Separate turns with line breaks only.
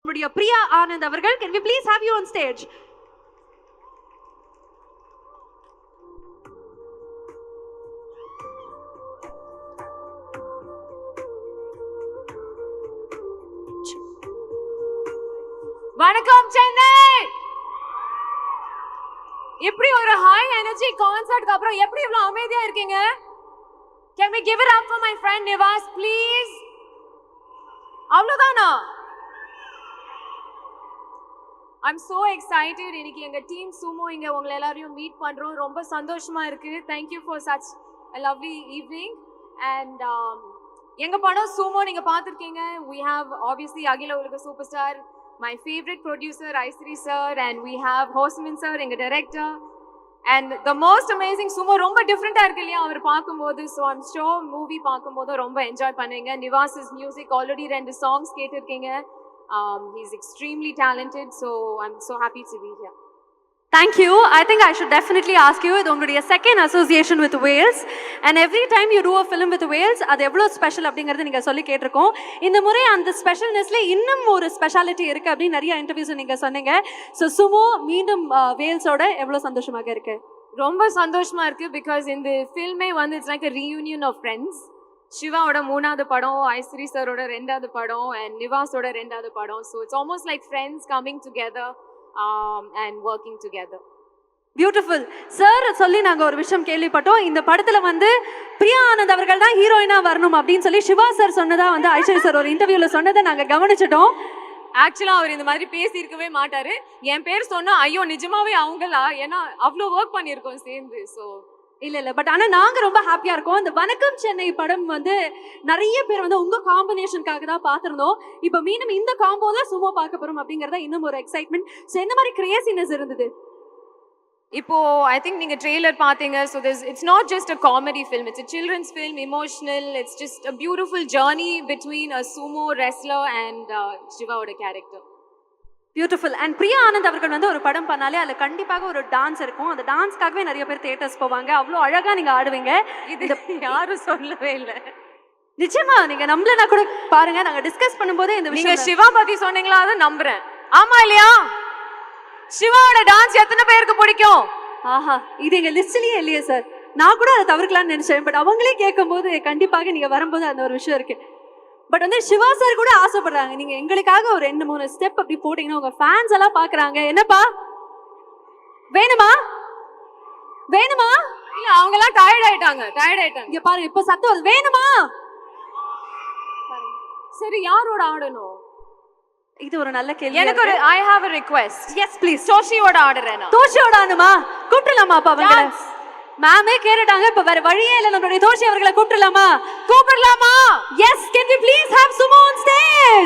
Priya Anand avargal, can we please have you on stage?
வணக்கம் சென்னை. எப்படி ஒரு high energy கான்சர்ட்க்கு அப்புறம் எப்படி இவ்வளவு அமைதியா இருக்கீங்க? Can we give it up for my friend Nivas please? அவ்வளவுதானா? I'm so excited. இன்னைக்கு எங்க டீம் சுமோ இங்க உங்களை எல்லாரையும் மீட் பண்றோம். ரொம்ப சந்தோஷமா இருக்கு. Thank you for such a lovely evening. And எங்க படம் சுமோ நீங்க பார்த்திருக்கீங்க. We have obviously அகில உலக super star, my favorite producer Aisri sir, and we have Hosmin sir, எங்க director. And the most amazing sumo ரொம்ப டிஃபரெண்டா இருக்கு இல்லையா அவர் பார்க்கும்போது. So I'm sure மூவி பார்க்கும்போது ரொம்ப என்ஜாய் பண்ணுவீங்க. நிவாஸ் மியூசிக் ஆல்ரெடி 2 songs கேட்டிருக்கீங்க. He's extremely talented, so I'm so happy to be here.
Thank you. I think I should definitely ask you, இது உங்களுடைய second association with Wales, and every time you do a film with Wales, அது எவ்வளவு special அப்படிங்கறது நீங்க சொல்லி கேட்டிருக்கோம். இந்த முறை அந்த ஸ்பெஷல்னஸ்ல இன்னும் ஒரு ஸ்பெஷாலிட்டி இருக்கு அப்படி நிறைய இன்டர்வியூஸ் நீங்க சொன்னீங்க. So சுமோ மீண்டும் வேல்ஸோட எவ்வளவு சந்தோஷமாக இருக்கு?
ரொம்ப சந்தோஷமா இருக்கு because இந்த ஃபில்மே வந்து it's like a reunion of friends. சிவாவோட 3வது படம், ஐஸ்ரி சரோட 2வது படம், and நிவாஸோட 2வது படம். So it's almost like friends coming together and working together.
Beautiful sir. சொல்லி நாங்கள் ஒரு விஷயம் கேள்விப்பட்டோம், இந்த படத்தில் வந்து பிரியா ஆனந்த் அவர்கள் தான் ஹீரோயினா வரணும் அப்படின்னு சொல்லி சிவா சார் சொன்னதா வந்து ஐஸ்வர்யா சார் ஒரு இன்டர்வியூவில் சொன்னதை நாங்கள் கவனிச்சிட்டோம்.
ஆக்சுவலாக அவர் இந்த மாதிரி பேசியிருக்கவே மாட்டார். என் பேர் சொன்னால் ஐயோ நிஜமாவே அவங்களா, ஏன்னா அவ்வளோ ஒர்க் பண்ணியிருக்கோம் சேர்ந்து. ஸோ
இல்லை பட் ஆனால் நாங்கள் ரொம்ப ஹாப்பியாக இருக்கோம். இந்த வணக்கம் சென்னை படம் வந்து நிறைய பேர் வந்து உங்கள் காம்பினேஷனுக்காக தான் பார்த்துருந்தோம். இப்போ மீண்டும் இந்த காம்போ தான் சும்மா பார்க்க போகிறோம் அப்படிங்கிறத இன்னும் ஒரு எக்ஸைட்மெண்ட். ஸோ எந்த மாதிரி கிரியேசினஸ் இருந்தது?
இப்போ ஐ திங்க் நீங்க ட்ரெய்லர் பாத்தீங்க. So it's not just a comedy film, it's a children's film, emotional. It's just a beautiful journey between a sumo wrestler and சிவாவோட character.
Beautiful. And Priya Anand அவர்கள் வந்து ஒரு படம் பண்ணாலே அதில் கண்டிப்பாக ஒரு டான்ஸ் இருக்கும். அந்த டான்ஸ்க்காகவே நிறைய பேர் தியேட்டர்ஸ் போவாங்க. அவ்வளோ அழகாக நீங்கள் ஆடுவீங்க.
இது யாரும் சொல்லவே இல்லை.
நிச்சயமா நீங்க நம்பலனா கூட பாருங்க, நாங்க டிஸ்கஸ் பண்ணும்போதே இந்த விஷயம்.
நீங்க சிவா பத்தி சொன்னீங்களா, அதை நம்புறேன். ஆமா இல்லையா? சிவாவோட டான்ஸ் எத்தனை பேருக்கு பிடிக்கும்?
ஆஹா, இது எங்க லிஸ்ட்லயே இல்லையே சார். நான் கூட அதை தவிர்க்கலாம்னு நினைச்சேன். பட் அவங்களே கேட்கும்போது கண்டிப்பாக நீங்க வரும்போது அந்த ஒரு விஷயம் இருக்கு. பட் வந்து சிவா சார் கூட ஆசைப்படுறாங்க, நீங்க எங்களுக்காக ஒரு 2-3 ஸ்டெப் அப்படி போட்டீங்கன்னா உங்க ஃபேன்ஸ் எல்லாம் பாக்குறாங்க. என்னப்பா வேணுமா வேணுமா?
இல்ல அவங்க எல்லாம் டயர்ட் ஆயிட்டாங்க.
இங்க பாருங்க, இப்ப சத்தம் வருது. வேணுமா?
சரி, யாரோட ஆடணும்?
இது ஒரு நல்ல கேள்வி.
எனக்கு ஒரு I have a request.
Yes please.
தோஷியோட ஆடுறேனா?
தோஷியோட ஆடுமா? கூப்பிடலாமா அப்ப அவங்கள? மேமே கேட்டுட்டாங்க. இப்ப வேற வழியே இல்ல, நம்மளுடைய தோஷி அவர்களை கூப்பிடலாமா?
கூப்பிடலாமா?
Yes, can we please have Sumo on stage?